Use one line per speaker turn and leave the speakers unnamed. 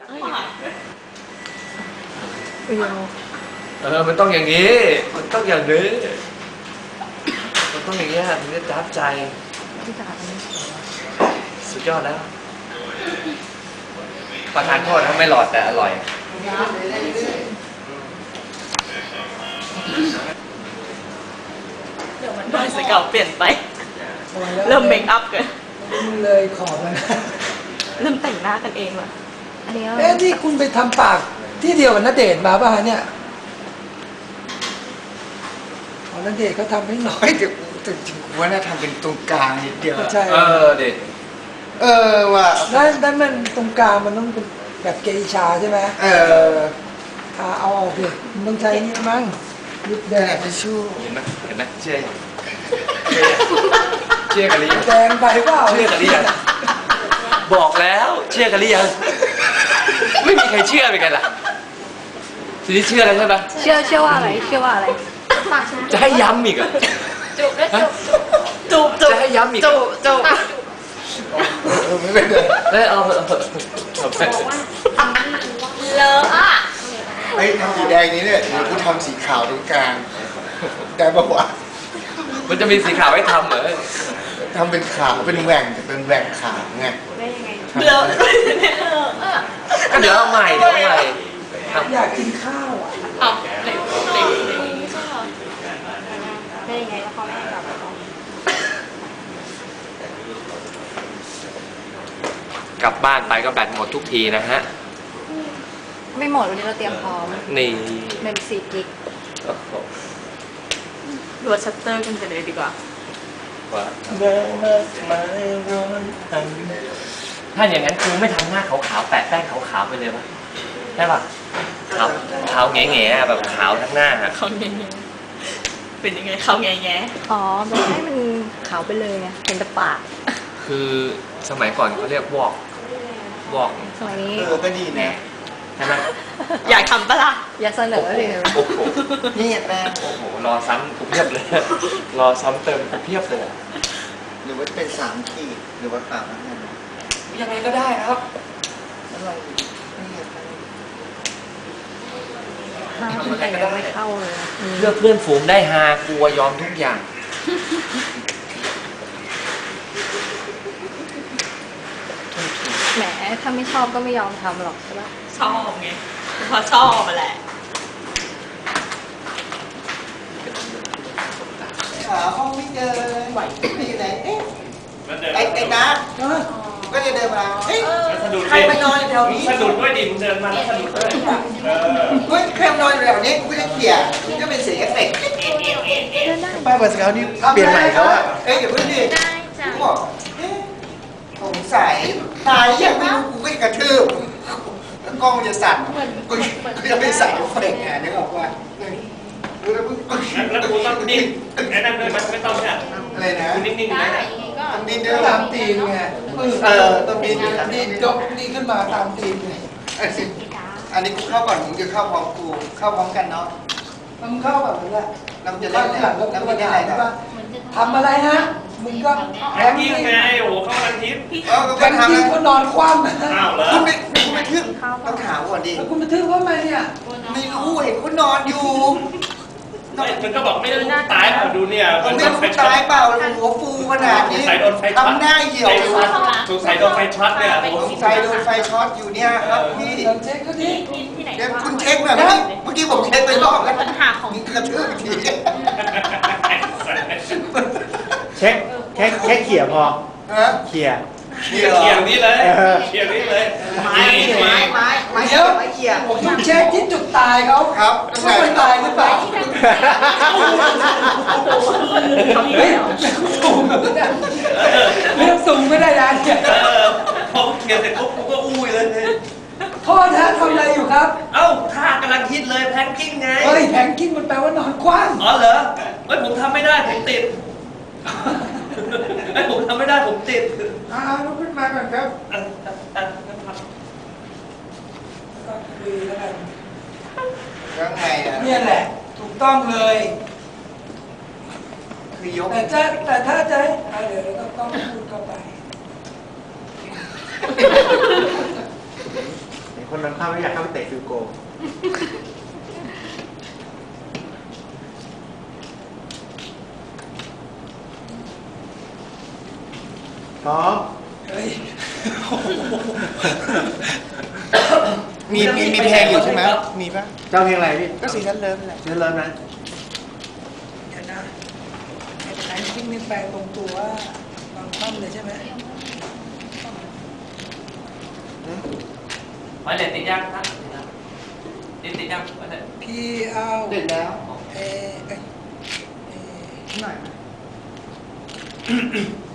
มันต้องอย่างนี้มันต้องอย่างนี้มันต้องอย่างนี้ถึงจะจับใจสุดยอดแล้วประทานโทษนะไม่หลอดแต่อร่อย
เดี๋ยวมันได้สเก่าเปลี่ยนไปเริ่มเมคอัพกัน
เลยขอบมัน
เริ่มแต่งหน้ากันเองว่ะ
ที่คุณไปทำปากที่เดียวกับณเดชน์มาป่ะเนี่ยณเดชน์เขาทำให้น้อย
แต่จริงๆว่าน่าทำเป็นตรงกลางนิดเดียว
ใช่
เด็ด
ว่า
ด้านมันตรงกลางมันต้องเป็นแบบเกอิชาใช่ไหมเอาออกดิมันต้องใช้นี่มั้งยุบแดง
ทิชชู่
เห็นไหมเชื่อกันหรือยัง
แดงไปเปล่า
เชื่อกันหรือยังบอกแล้วเชื่อกันหรือยังไม่มีใครเชื่อเป็นไงล่ะทีนี้เชื่อแล้วใช่ไหม
เชื่อว่าอะไร
จะให้ย้ำอีกอ่ะ
จูบ
จะให้ย้ำอีก
จูบ
ไม่เป็นไร
เอา
เลอะอ่ะ
ทำสีแดงนี้เนี่ยเดี๋ยวกูทำสีขาวตรงกลางได้ปะวะ
มันจะมีสีขาวให้ทำเหรอ
ทำเป็นขาวเป็นแหว่งแต่เป็นแหว่งขาวไง
ได้ยังไงเลอะ
ก็เดี๋ยวเอาใหม่
อยากกินข้าวอ่ะ
ได้ยังไงแล้วเขาไม่ให้กลับ
กลับบ้านไปก็แบตหมดทุกทีนะฮะ
ไม่หมดวันนี้เราเตรียมพร้อม
นี่
เมม4 กิกรวดชัตเตอร์กันเลยดีกว่า
ถ้าอย่างนั้นครูไม่ทำหน้าขาวๆแปะแป้งขาวๆไปเลยป่ะได้ป่ะขาวแง่ๆแบบขาวทั้งหน้า
ขาวแง่ๆเป็นยังไงขาวแง่ๆอ๋อแบบให้มันขาวไปเลยไงเห็นแต่ปาก
คือสมัยก่อนเขาเรียกวอก
สมัยนี้
ก็ดีนะ
ใช่ไหม
อยากทำปะล่ะอยากเสนอเลย
โอ้โห
นี่แป้ง
โอ้โหรอซ้ำกูเพียบเลยรอซ้ำเติมกูเพียบเลย
หรือว่าเป็น3 ขีดหรือว่า3 นั่น
ยังไงก็ได้ครับ
อะไร
ทำอะไรก็ไม่เข้าเลย
เลือกเพื่อนฝูงได้ฮากลัวยอมทุกอย่าง
แหมถ้าไม่ชอบก็ไม่ยอมทำหรอกใช่ปะชอบไงพอชอบมาแหละ
หาห้องไม่เจอไม่อยู่ไหนไอ้นัทก็จะเดินมาใครมานอนแถวนี้
สะดุดด้วยดิมึงเดินมาแล้วสะดุดด้วย
เฮ้ยใครมานอนแถวนี้กูจะเขี่ยก็เป็นเสียงเอฟเฟกต์ป้าเปิดสเกลนี่เปลี่ยนใหม่เขาอะอย่าเพิ่งดิกูบอกสงสัยตายยังไม่รู้กูก็จะกระทืบกล้องจะสั่นกูจะไม่ใส่เอฟเฟกต์นึกออกว่า
แล้วกูต้องดิ้นไอ้นั่นด้วยมันไม่ต้องเนี่ย
อะไรนะ
นิ่งๆนะ
ต้องดิ้น
ด้วยตามตีนไง
ต้องดิ้น
ยกนี่ขึ้นมาตามตีนไง
อันนี้กูเข้าก่อนมึงจะเข้าพร้อมกูเข้าพร้อมกันเนาะ
มึงเข้าแบบนี้แหละ
เราจะเล่นอะไรเราจะเล่นอะไรกัน
ทำอะไรฮะมึงก็
แพนกิ้งไงโอ้เข้าทันทิพย์
แพนกิ้งก็นอนคว่ำ
คุณไม่ทึ่งต้องถามก่อนดิ
แล้วคุณไปทึ่งว่าไงเนี่ย
ไม่รู้เห็นคุณนอนอยู่
มันก็บอกไม่รู้ตายเปล่าดูเนี่ย
ไม่รู้ตายเปล่าหัวฟูขนาดนี้ทำหน้าเหี่ยว
สงสัยโดนไฟช็อตเนี่ย
สงสัยโดนไฟช็อตอยู่เนี่ยครับพี่
เช็คก็ดิ
เดี๋ยวคุณเช็คแบบเมื่อกี้ผมเช็คไปรอบแล้วปัญหาของกระทืบที
เช็คเขี่ยพอเขี่ย
นี่เลยเขี่ยนี่เลย
ไม้
เดี๋ยวผมต้องเช็คที่จุดตายเขา
ครับ
ว่ามันตายหรือเปล่าเรื่องสูงไม่ได้ยัน
พอเขี่ยเสร็จปุ๊บกูก็อุ้ยเลย
โทษนะทำอะไรอยู่ครับ
เอ้าท่ากำลังฮิตเลยแพนกิ้งไง
เฮ้ยแพนกิ้งมันแปลว่านอนคว่ำ
อ๋อเหรอเฮ้ยผมทำไม่ได้ผมติดไอ้ผมทำไม่ได้ผมติด
ลุกขึ้นมาก่อนครับคุยแล้วกัน
ยังไง
เนี่ยแหละถูกต้องเลย
คือยก
แต่ถ้าจะเดี๋ยวเราต้องพูดเข้าไป
คน
วันนั้นข้าไม่อยากเข้าไปเตะฟิลโกพร้อม
เฮ้ย
มีเพลงอยู่ใช่ไหมมีปะ
เจ้าเพลงอะไรพี่
ก็ซีซั่นเลิฟแหละ
เชิญเริ่มนะ
เดี๋ยวนะไอ้ไหนทิ้งนี่แปลตรงตัวว่าบางคว่ำเลยใช่ไหม
ไว้เลยติดยังครับติดยังไว้เลย
พี่เอา
เด็ดแล้ว
เอ้ย
หน่อย